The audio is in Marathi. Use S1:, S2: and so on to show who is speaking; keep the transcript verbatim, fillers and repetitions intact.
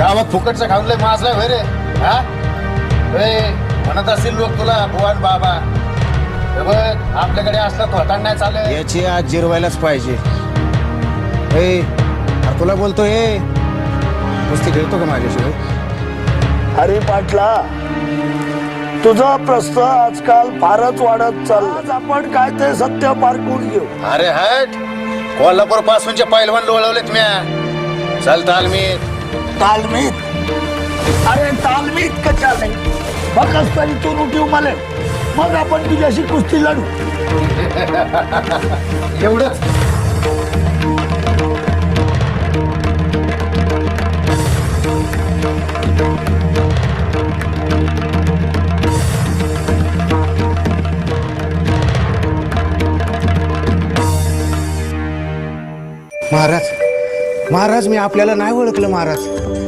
S1: गावात फुकटचं खाऊन लय माजला होय रे. हा ए, म्हणत असतील लोक तुला भुवन बाबा. हे बघ आपल्याकडे असलं थोटाण नाही चालत.
S2: याची आज जिरवायलाच पाहिजे. ए अरे तुला बोलतोय ए, कुस्ती खेळतो का माझ्याशिवाय?
S3: अरे पाटला, तुझा प्रश्न आजकाल फारच वाढत चालला. आज आपण काय ते सत्य पारखून घेऊ.
S1: अरे हट, कोल्हापूर पासूनचे पैलवान लोळवलेत म्या. चल तालमीत.
S3: तालमीत? अरे तालमीत कशा नाही, फक्त तरी तू उठीव मला, मग आपण तुझ्याशी कुस्ती लढू.
S1: एवढंच?
S2: महाराज महाराज मी आपल्याला नाही ओळखलं महाराज.